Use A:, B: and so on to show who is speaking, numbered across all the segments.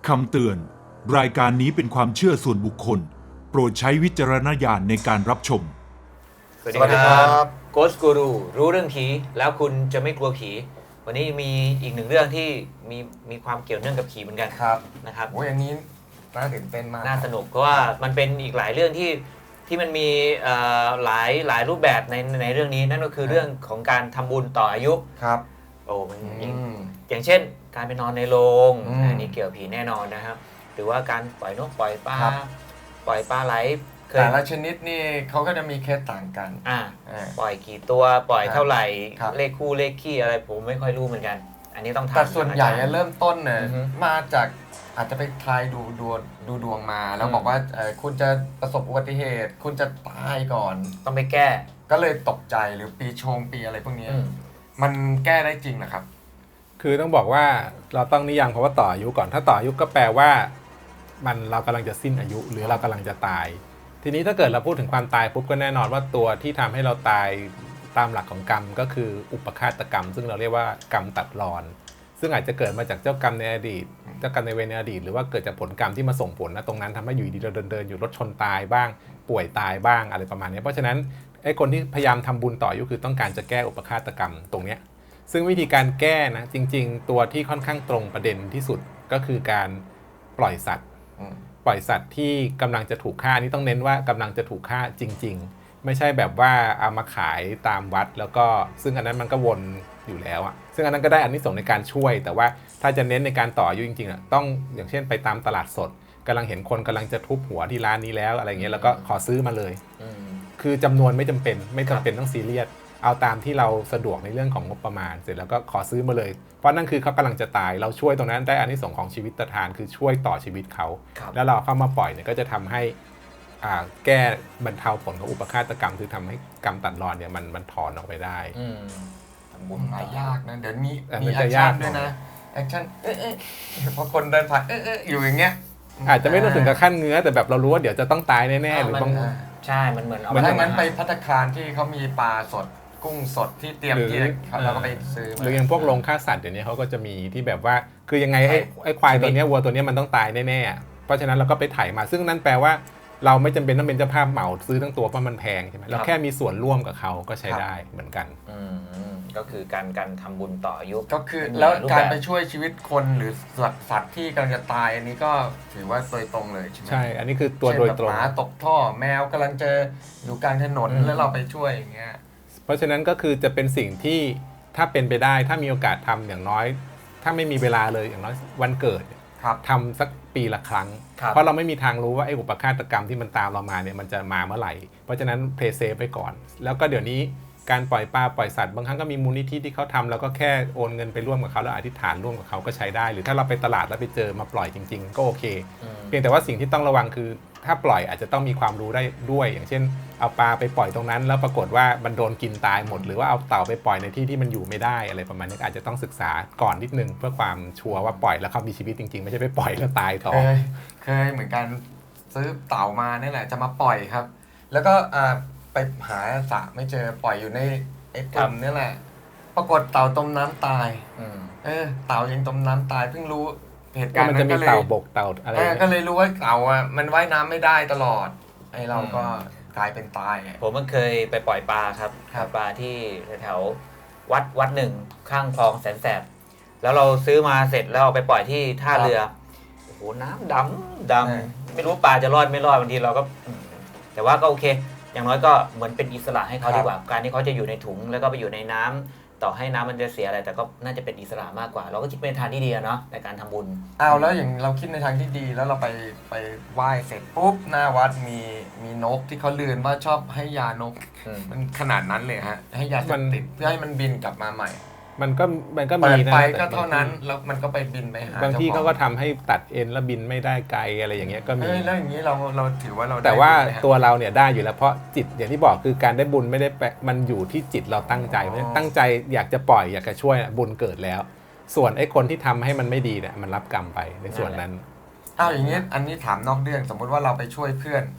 A: คำเตือน รายการนี้เป็นความเชื่อส่วนบุคคล โปรดใช้วิจารณญาณในการรับชม
B: สวัสดีครับโกสกูรูรู้เรื่องผีแล้วคุณจะไม่กลัวผีวันนี้มีอีกหนึ่งเรื่องที่มีความเกี่ยวเนื่องกับผีเหมือนกัน
C: ครับ
B: นะครับ
C: โอ้ยอันนี้น่าตื่นเต้นมาก
B: น่าสนุกเพราะว่ามันเป็นอีกหลายเรื่องที่มันมีหลายรูปแบบในเรื่องนี้นั่นก็คือเรื่องของการทำบุญต่ออายุ
C: ครับ
B: โอ้มัน
C: อืม
B: อย่างเช่น การไปนอนในโรง
C: อืม
B: อันนี้เกี่ยวกับผีแน่นอนนะครับหรือว่าการปล่อยนกปล่อยปลา
C: ครับ
B: ปล่อยปลาไหลเคย
C: แต่ละชนิดนี่เขาก็จะมีเคสต่างกัน
B: อ่า
C: อ่า
B: ปล่อยกี่ตัวปล่อยเท่าไหร่
C: ครับ
B: เลขคู่เลขขี้อะไรผมไม่ค่อยรู้เหมือนกัน อันนี้ต้องถาม
C: แต่ส่วนใหญ่
B: อาจารย์
C: เริ่มต้นเนี่ย
B: อือฮึ
C: มาจากอาจจะไปทายดูดวงมา แล้วบอกว่าคุณจะประสบอุบัติเหตุ คุณจะตายก่อน
B: ต้องไปแก้
C: ก็เลยตกใจหรือปีชงปีอะไรพวกนี้
B: อืม
C: มันแก้ได้จริงนะครับ
D: คือต้องบอกว่าเราต้องนิยามคำว่าต่ออายุก่อนถ้าต่ออายุก็แปลว่าเรากำลังจะสิ้นอายุหรือเรากำลังจะตาย ทีนี้ถ้าเกิดเราพูดถึงความตายปุ๊บก็แน่นอนว่าตัวที่ทำให้เราตายตามหลักของกรรมก็คืออุปฆาตกรรม ซึ่งเราเรียกว่ากรรมตัดรอน ซึ่งอาจจะเกิดมาจากเจ้ากรรมในอดีตเจ้ากรรมในเวรในอดีตหรือว่าเกิดจากผลกรรมที่มาส่งผลนะตรงนั้นทำให้อยู่ดีเราเดินอยู่รถชนตายบ้างป่วยตายบ้างอะไรประมาณนี้เพราะฉะนั้นไอ้คนที่พยายามทำบุญต่ออายุคือต้องการจะแก้อุปฆาตกรรมตรงเนี้ย ซึ่งวิธีการแก้นะจริงๆ ตัวที่ค่อนข้างตรงประเด็นที่สุดก็คือการปล่อยสัตว์
C: อืม
D: ปล่อยสัตว์ที่กำลังจะถูกฆ่านี่ต้องเน้นว่ากำลังจะถูกฆ่าจริงๆ ไม่ใช่แบบว่าเอามาขายตามวัดแล้วก็ซึ่งอันนั้นมันก็วนอยู่แล้วอะซึ่งอันนั้นก็ได้อานิสงส์ในการช่วย แต่ว่าถ้าจะเน้นในการต่ออายุจริงๆอะต้องอย่างเช่นไปตามตลาดสดกำลังเห็นคนกำลังจะทุบหัวที่ร้านนี้แล้วอะไรเงี้ยแล้วก็ขอซื้อมาเลย
B: อืม
D: คือจำนวนไม่จำเป็นต้องซีเรียสเอาตามที่เราสะดวกในเรื่องของงบประมาณเสร็จแล้วก็ขอซื้อมาเลยเพราะนั่นคือเขากำลังจะตายเราช่วยตรงนั้นได้อานิสงส์ของชีวิตทานคือช่วยต่อชีวิตเขา
B: ครับ
D: แล้วเราเข้ามาปล่อยเนี่ยก็จะทำให้แก้บรรเทาผลของอุปฆาตกรรมคือทำให้กรรมตัดรอนเนี่ยมันถอนออกไปได้
B: อืม
C: ทำบุญหายากนะเดี๋ยวนี้
D: อ่ะ
C: มี
D: มัน
C: แอ
D: จะ
C: คชั่น
D: ยาก
C: ด้วย
D: หน่
C: นะ
D: อย
C: แอคชั่นพอคนเดินผ่านอยู่อย่างเงี้ย
D: อาจจะไม่ต้องถึงกับขั้นเงื้อแต่แบบเรารู้ว่าเดี๋ยวจะต้องตายแน่ๆหรือบาง
B: ใช่ มันเหมือนเอา
C: ถ้างั้นไป
B: ทำ
C: ภัตตาคารที่เขามีปลาสดกุ้งสดที่เตรียมที่เราก็ไปซื้อ
D: หรืออย่างพวกโรงฆ่าสัตว์เดี๋ยวนี้เขาก็จะมีที่แบบว่าคือยังไงไอ้ควายตัวเนี้ยวัวตัวเนี้ยมันต้องตายแน่ๆเพราะฉะนั้นเราก็ไปถ่ายมาซึ่งนั่นแปลว่าเราไม่จำเป็นต้องเป็นเจ้าภาพเหมาซื้อทั้งตัวเพราะมันแพงใช่ไหมเราแค่มีส่วนร่วมกับเขาก็ใช้ได้เหมือนกัน
B: อืมก็คือการทำบุญต่ออายุ
C: ก็คือ
B: มี
C: แล้ว
B: รูป
C: การ
B: แบบ
C: ไปช่วยชีวิตคนหรือสัตว์ที่กำลังจะตายอันนี้ก็ถือว่าโดยตรงเลยใช่ไหม
D: ใช่ อันนี้คือตัวโดยตรง
C: เช่นแบบหมาตกท่อแมวกำลังจะอยู่กลางถนน
B: อืม
C: แล้วเราไปช่วยอย่างเงี้ย
D: เพราะฉะนั้นก็คือจะเป็นสิ่งที่ถ้าเป็นไปได้ถ้ามีโอกาสทำอย่างน้อย ถ้าไม่มีเวลาเลยอย่างน้อยวันเกิดเนี่ย
C: ครับ
D: ทำสักปีละครั้ง
B: ครับ
D: เพราะเราไม่มีทางรู้ว่าไอ้อุปฆาตกรรมที่มันตามเรามาเนี่ยมันจะมาเมื่อไหร่ เพราะฉะนั้นเพลย์เซฟไปก่อน แล้วก็เดี๋ยวนี้การปล่อยปลาปล่อยสัตว์บางครั้งก็มีมูลนิธิที่เขาทำแล้วก็แค่โอนเงินไปร่วมกับเขาแล้วอธิษฐานร่วมกับเขาก็ใช้ได้ หรือถ้าเราไปตลาดแล้วไปเจอมาปล่อยจริง ๆ ก็โอเค
B: อืม
D: เพียงแต่ว่าสิ่งที่ต้องระวังคือถ้าปล่อยอาจจะต้องมีความรู้ได้ด้วย อย่างเช่น เอาปลาไปปล่อยตรงนั้น แล้วปรากฏว่ามันโดนกินตายหมด หรือว่าเอาเต่าไปปล่อยในที่ที่มันอยู่ไม่ได้อะไรประมาณนี้อาจจะต้องศึกษาก่อนนิดนึงเพื่อความชัวร์ว่าปล่อยแล้วเขามีชีวิตจริงๆไม่ใช่ไปปล่อยแล้วตายต่อ
C: เคยเหมือนกันซื้อเต่ามานี่แหละจะมาปล่อยครับ แล้วก็ไปหาสระไม่เจอปล่อยอยู่ในไอ้ตุ่มนี่แหละ ปรากฏเต่าจมน้ำตาย
B: อืม
C: เต่ายังจมน้ำตายเพิ่งรู้เหตุ
D: ก็
C: การณ์
D: มัน
C: นั้
D: จะ
C: น
D: มี
C: ก็เลย
D: เต่าบกเต่าอะไรอย่าง
C: ก็
D: เงี้ย
C: เลยรู้ว่าเต่ามันว่ายน้ำไม่ได้ตลอดไอ้เราก็กลายเป็นตายไง
B: ผมมันเคยไปปล่อยปลาครับ
C: ครับ
B: ปลาที่แถวๆวัดหนึ่งข้างคลองแสนแสบแล้วเราซื้อมาเสร็จแล้วเอาไปปล่อยที่ท่าเรือโอ้โหน้ำดำไม่รู้ปลาจะรอดไม่รอดบางทีเราก็แต่ว่าก็โอเค อย่างน้อยก็เหมือนเป็นอิสระให้เขาดีกว่า การที่เขาจะอยู่ในถุงแล้วก็ไปอยู่ในน้ำต่อให้น้ำมันจะเสียอะไรแต่ก็น่าจะเป็นอิสระมากกว่า เราก็คิดเป็นทางที่ดีอะเนาะในการทำบุญ
C: เอาแล้วอย่างเราคิดในทางที่ดีแล้วเราไปไหว้เสร็จปุ๊บหน้าวัดมีนกที่เขาลือว่าชอบให้ยานก
B: อืม
C: มันขนาดนั้นเลยฮะให้ยาเสพติดเพื่อให้มันบินกลับมาใหม่
D: มันก็
C: เปิ
D: มี
C: ด
D: นะ
C: ไป
D: แต่
C: ก็เท่านั้นแล้วมันก็ไปบินไปหา
D: บางที่
C: จ้
D: เขา
C: ข
D: ก็ทำให้ตัดเอ็นแล้วบินไม่ได้ไกลอะไรอย่างเงี้ยก็มี
C: เอ้ยแล้วอย่างนี้เราถือว่าเราได้
D: แต่ว่า
C: บุญไหมฮะ
D: ตัวเราเนี่ยได้อยู่แล้วเพราะจิตอย่างที่บอกคือการได้บุญไม่ได้มันอยู่ที่จิตเราตั้งใจเพราะฉะนั้นตั้งใจอยากจะปล่อยอยากจะช่วยบุญเกิดแล้ว ส่วนไอ้คนที่ทำให้มันไม่ดีเนี่ยมันรับกรรมไปในส่วนนั้น
C: อ้าวอย่างนี้อันนี้ถามนอกเรื่องสมมุติว่าเราไปช่วยเพื่อน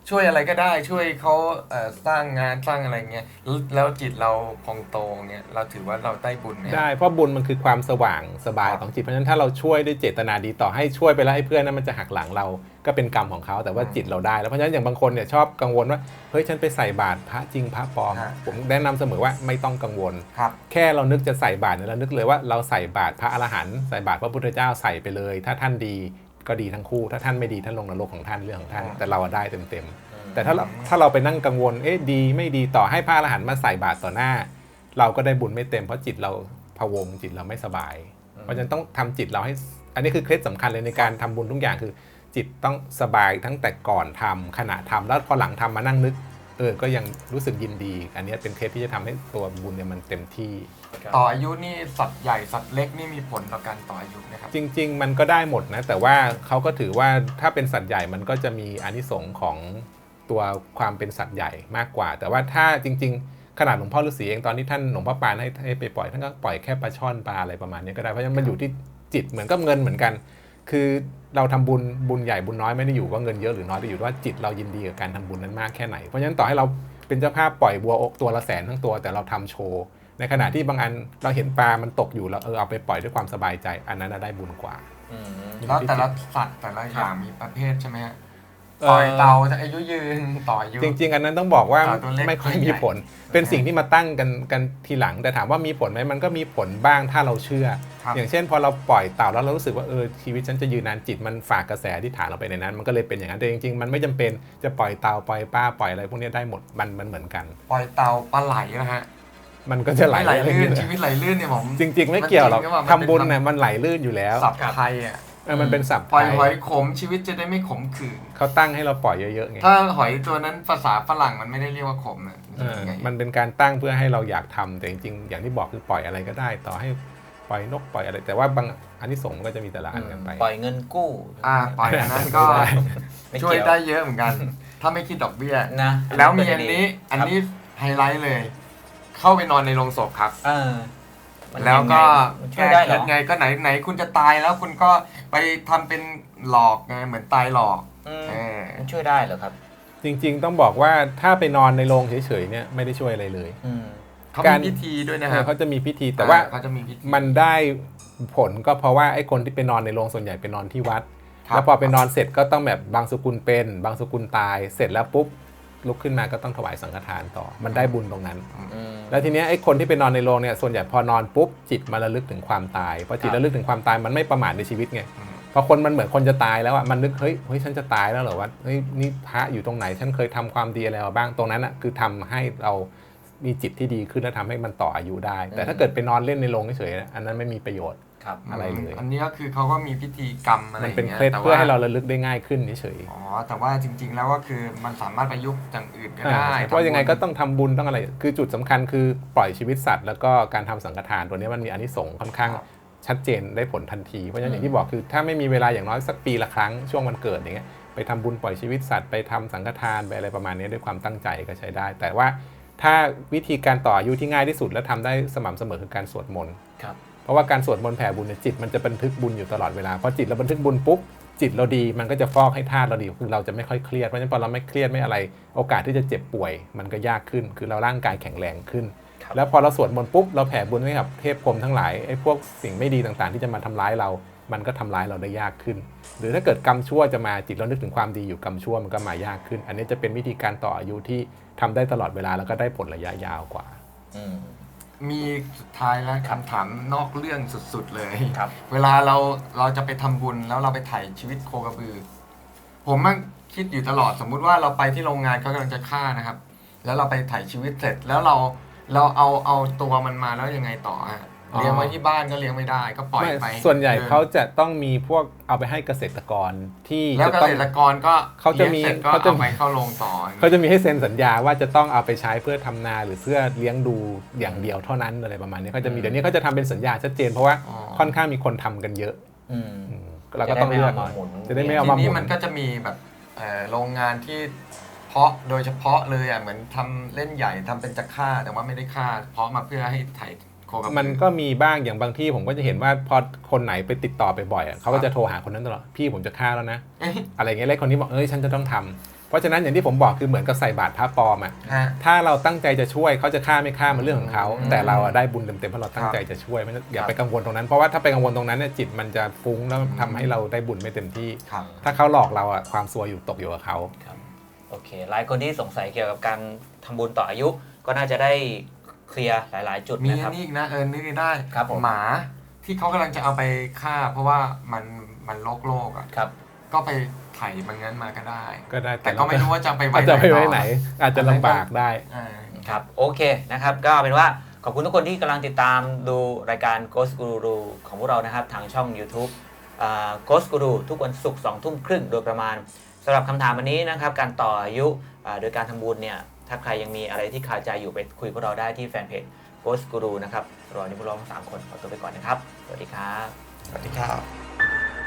C: ช่วยอะไรก็ได้ช่วยเขาสร้างงานสร้างอะไรเงี้ยแล้วจิตเราพองโตเงี้ยเราถือว่าเราได้บุญเนี่ย
D: ได้เพราะบุญมันคือความสว่างสบาย
C: ครับ
D: ของจิตเพราะฉะนั้นถ้าเราช่วยด้วยเจตนาดีต่อให้ช่วยไปแล้วให้เพื่อนนั้นมันจะหักหลังเราก็เป็นกรรมของเขาแต่ว่าจิตเราได้แล้วเพราะฉะนั้นอย่างบางคนเนี่ยชอบกังวลว่าเฮ้ยฉันไปใส่บาตรพระจริงพระปลอม
C: ฮะ
D: ผมแนะนำเสมอว่าไม่ต้องกังวล
C: ครับ
D: แค่เรานึกจะใส่บาตรเนี่ยเรานึกเลยว่าเราใส่บาตรพระอรหันต์ใส่บาตรพระพุทธเจ้าใส่ไปเลย ถ้าท่านดีก็ดีทั้งคู่ถ้าท่านไม่ดีท่านลงนรกของท่านเรื่องของท่าน
C: อืม
D: แต่เราได้เต็มๆแต่ถ้าเราไปนั่งกังวลเอ๊ะดีไม่ดีต่อให้พระอรหันต์มาใส่บาตรต่อหน้า เราก็ได้บุญไม่เต็มเพราะจิตเราพะวงจิตเราไม่สบาย เพราะฉะนั้นต้องทำจิตเราให้อันนี้คือเคล็ดสำคัญเลยในการทำบุญทุกอย่างคือ จิตต้องสบายทั้งแต่ก่อนทำขณะทำแล้วพอหลังทำมานั่งนึกก็ยังรู้สึกยินดี อันนี้เป็นเคล็ดที่จะทำให้ตัวบุญเนี่ยมันเต็มที่
C: ต่ออายุนี่สัตว์ใหญ่สัตว์เล็กนี่มีผลต่อการต่ออายุนะครับ
D: จริง ๆ มันก็ได้หมดนะแต่ว่าเขาก็ถือว่าถ้าเป็นสัตว์ใหญ่มันก็จะมีอานิสงส์ของตัวความเป็นสัตว์ใหญ่มากกว่า แต่ว่าถ้าจริง ๆ ขนาดหลวงพ่อฤาษีเองตอนที่ท่านหลวงพ่อปานให้ไปปล่อยท่านก็ปล่อยแค่ปลาช่อนปลาอะไรประมาณนี้ก็ได้เพราะฉะนั้นมันอยู่ที่จิตเหมือนกับเงินเหมือนกัน คือเราทำบุญใหญ่บุญน้อยไม่ได้อยู่ว่าเงินเยอะหรือน้อยแต่อยู่ว่าจิตเรายินดีกับการทำบุญนั้นมากแค่ไหนเพราะฉะนั้นต่อให้เราเป็นเจ้าภาพปล่อยบัวตัวละแสนทั้งตัวแต่เราทำโชว์ในขณะที่บางอันเราเห็นปลามันตกอยู่แล้วเอาไปปล่อยด้วยความสบายใจอันนั้นได้บุญกว่า
C: แล้วแต่ละสัตว์แต่ละอย่างมีประเภทใช่ไหมฮะปล่อยเต่าจะอายุยืนต่ออายุ
D: จริงๆอันนั้นต้องบอกว่า
C: ตัวเล็ก
D: ไม่ค่อย
C: ตัวใหญ่
D: มีผล เป็นสิ่งที่มาตั้งกันทีหลัง แต่ถามว่ามีผลไหมมันก็มีผลบ้างถ้าเราเชื่อ
C: ครับ
D: อย่างเช่นพอเราปล่อยเต่าแล้วเรารู้สึกว่าชีวิตฉันจะยืนนานจิตมันฝากกระแสที่ฐานเราไปในนั้น มันก็เลยเป็นอย่างนั้นแต่จริงๆมันไม่จำเป็นจะปล่อยเต่าปล่อยปลาปล่อยอะไรพวกนี้ได้หมดมันเหมือนกัน
C: ปล่อยเต่าปลาไหลนะฮะ
D: มันก็จะไหล
C: ไหล
D: อะไร
C: ลื่
D: อย่าง
C: น
D: เงี้ย
C: ชีวิตไหลลื่นเนี่ยผม
D: จริง ๆ ไม่เกี่ยวหรอก
C: มันจริงหรือเปล่า
D: ทำบุญเนี่ยมันไหลลื่นอยู่แล้ว
C: สับไทยอ่ะ
D: มันเป็นศัพท์
C: ปล่อย
D: ไท
C: หอย
D: ย
C: ขมชีวิตจะได้ไม่ขมขื่น
D: เขาตั้งให้เราปล่อยเยอะๆไง
C: ถ้าหอยตัวนั้นภาษาฝรั่งมันไม่ได้เรียกว่าขมนะ
D: มัน มันเป็นการตั้งเพื่อให้เราอยากทำแต่จริงๆอย่างที่บอกคือปล่อยอะไรก็ได้ ต่อให้ปล่อยนกปล่อยอะไร แต่ว่าบางอันที่สงส์ก็จะมีแต่ละอันกันไป
B: ปล่อยเงินกู้
C: ปล่อยอันนั้นก็
B: ไม่
C: ช่วย
B: เกี่ยว
C: ได้เยอะเหมือนกัน ถ้าไม่คิดดอกเบี้ย
B: นะ
C: แล้วมีอันนี้ไฮไลท์เลย เข้าไปนอนในโรงศพครับ
B: มัน
C: แล้วก็
B: มันช่วยได้เหรอ
C: ไงก็ไหนคุณจะตายแล้วคุณก็ไปทำเป็นหลอกไงเหมือนตายหลอก เออ
B: มันช่วยได้เหรอครับ
D: จริงๆต้องบอกว่าถ้าไปนอนในโรงเฉยๆเนี่ยไม่ได้ช่วยอะไรเลย
C: เขา
D: การ
C: มีพิธีด้วยนะครับ
D: เขาจะมีพิธีแต่ว่า
C: เขาจะมีพิธี
D: มันได้ผลก็เพราะว่าไอ้คนที่ไปนอนในโรงส่วนใหญ่ไปนอนที่วัด
C: ครับ
D: แล้วพอไปนอนเสร็จก็ต้องแบบบางสกุลเป็นบางสกุลตายเสร็จแล้วปุ๊บลุกขึ้นมาก็ต้องถวายสังฆทานต่อ มันได้บุญตรงนั้น แล้วทีเนี้ยไอ้คนที่ไปนอนในโรงเนี่ยส่วนใหญ่พอนอนปุ๊บจิตมาระลึกถึงความตายพอจิตระลึกถึงความตายมันไม่ประมาทในชีวิตไง พอคนมันเหมือนคนจะตายแล้วอ่ะมันนึกเฮ้ยฉันจะตายแล้วเหรอวะเฮ้ยนี่พระอยู่ตรงไหนฉันเคยทำความดีอะไรมาบ้างตรงนั้นอ่ะคือทำให้เรามีจิตที่ดีขึ้นและทำให้มันต่ออายุได้ แต่ถ้าเกิดไปนอนเล่นในโรงเฉยๆอันนั้นไม่มีประโยชน์
B: ครับ
D: อะไรเลย
C: อันนี้ก็คือเขาก็มีพิธีกรรมอะไร
D: มัน
C: อย่าง
D: เป็น
C: เงี้ย
D: เคล็ด
C: แต่
D: เพื่อ
C: ว่า
D: ให้เราระลึกได้ง่ายขึ้นเฉย
C: อ๋อแต่ว่าจริง ๆ แล้วก็คือมันสามารถประยุกต์อย่างอื่นก็
D: ๆ
C: ได้
D: เพราะยังไงก็ต้องทำบุญต้องอะไรคือจุดสำคัญคือปล่อยชีวิตสัตว์แล้วก็การทำสังฆทานตัวนี้มันมีอานิสงส์ค่อนข้างชัดเจนได้ผลทันทีเพราะฉะนั้นอย่างที่บอกคือถ้าไม่มีเวลาอย่างน้อยสักปีละครั้งช่วงวันเกิดอย่างเงี้ยไปทำบุญปล่อยชีวิตสัตว์ไปทำสังฆทานไปอะไรประมาณนี้ด้วยความตั้งใจก็ใช้ได้ แต่ว่าถ้าวิธีการต่ออายุที่ง่ายที่สุดและทำได้สม่ำเสมอคือการสวดมนต์
B: ครับ
D: เพราะว่าการสวดมนต์แผ่บุญเนี่ยจิตมันจะบันทึกบุญอยู่ตลอดเวลาพอจิตเราบันทึกบุญปุ๊บจิตเราดีมันก็จะฟอกให้ธาตุเราดีคือเราจะไม่ค่อยเครียดเพราะฉะนั้นพอเราไม่เครียดไม่อะไรโอกาสที่จะเจ็บป่วยมันก็ยากขึ้นคือเราร่างกายแข็งแรงขึ้น
B: ครับ
D: แล้วพอเราสวดมนต์ปุ๊บเราแผ่บุญให้กับเทพพรหมทั้งหลายไอ้พวกสิ่งไม่ดีต่างๆ ที่จะมาทำร้ายเรา มันก็ทำร้ายเราได้ยากขึ้น หรือถ้าเกิดกรรมชั่วจะมาจิตเรานึกถึงความดีอยู่กรรมชั่วมันก็มายากขึ้น อันนี้จะเป็นวิธีการต่ออายุที่ทำได้ตลอดเวลาแล้วก็ได้ผลระยะยาวกว่า
C: มีสุดท้ายแล้วคำถามนอกเรื่องสุดๆเลย
B: ครับ
C: เวลาเราจะไปทำบุญแล้วเราไปถ่ายชีวิตโคกระบือ ผมมันคิดอยู่ตลอดสมมุติว่าเราไปที่โรงงานเขากำลังจะฆ่านะครับ แล้วเราไปถ่ายชีวิตเสร็จแล้วเราเอาตัวมันมาแล้วยังไงต่อฮะ
D: อ๋อ
C: เลี้ยงไว้ที่บ้านก็เลี้ยงไม่ได้ก็ปล่อยไป
D: ไม่ส่วนใหญ่เขาจะต้องมีพวกเอาไปให้เกษตรกรที่
C: แล้ว
D: จะ
C: เก
D: ต้อง
C: ษตรกรก็
D: เขาจะมี
C: ลี้ยงสร็จก็
D: เขาจะ
C: เอาไปเข้าโรงต่อ
D: เขาจะมีให้เซ็นสัญญาว่าจะต้องเอาไปใช้เพื่อทำนาหรือเพื่อเลี้ยงดูอย่างเดียวเท่านั้นอะไรประมาณนี้เขาจะมีเดี๋ยวนี้เขาจะทำเป็นสัญญาชัดเจนเพราะว่าค่อนข้างมีคนทำกันเยอะเราก็ต้องเลือก จะได้ไม่เอา
C: ที
D: มาห
C: นี้
D: มุ
C: มัน นก็จะมีแบบโรงงานที่เพาะโดยเฉพาะเลยอ่ะเหมือนทำเล่นใหญ่ทำเป็นจะฆ่าแต่ว่าไม่ได้ฆ่าเพาะมาเพื่อให้ถ่ายโคกระบือ
D: มันก็มีบ้างอย่างบางที่ผมก็จะเห็นว่าพอคนไหนไปติดต่อไปบ่อยอะเขาก็จะโทรหาคนนั้นตลอดพี่ผมจะฆ่าแล้วนะ
C: เอ๊ะ
D: อะไรเงี้ยแล้วคนนี้บอกฉันจะต้องทำเพราะฉะนั้นอย่างที่ผมบอกคือเหมือนกับใส่บาตรพระปลอมอ่ะ
C: ฮะ
D: ถ้าเราตั้งใจจะช่วยเขาจะฆ่าไม่ฆ่ามันเรื่องของเขา
C: อืม
D: แต่เราอะได้บุญเต็มๆเพราะเราตั้งใจจะช่วยไม่ต้องอย่าไปกังวลตรงนั้นเพราะว่าถ้าไปกังวลตรงนั้นเนี่ยจิตมันจะฟุ้งแล้วทำให้เราได้บุญไม่เต็มที่
C: ครับ
D: ถ้าเขาหลอกเราอ่ะความซวยอยู่ตกอยู่กับเขา
B: ครับโอเค หลายคนที่สงสัยเกี่ยวกับการทำบุญต่ออายุ ก็น่าจะได้เคลียร์หลายๆ จุด
C: มี
B: นะค
C: อั
B: รับ
C: นนี้อีกนะนึกได้
B: ครับผม
C: หมาที่เขากำลังจะเอาไปฆ่า เพราะว่ามันโรคอ่ะ
B: ครับ
C: ก็ไปไถ่มันงั้นมาก็ได้
D: ก็ได้
C: แต่ก็ไม่รู้ว่าจะไปไว้
D: จะไปไว้
C: ต่อ
D: ไหน อาจจะลำบากได้
C: อ่า
B: ครับโอเคนะครับก็เป็นว่าขอบคุณทุกคนที่กำลังติดตามดูรายการ Ghost Guru ของพวกเรานะครับทางช่อง YouTube Ghost Guru ทุกวันศุกร์2 ทุ่มครึ่งโดยประมาณสำหรับคำถามวันนี้นะครับการต่ออายุโดยการทำบุญเนี่ยถ้าใครยังมีอะไรที่คาใจอยู่ไปคุยกับพวกเราได้ที่แฟนเพจ Ghost Guru นะครับรอวันนี้พวกเราทั้ง3 คนขอตัวไปก่อนนะครับสวัสดีครับ
C: สวัสดีครับ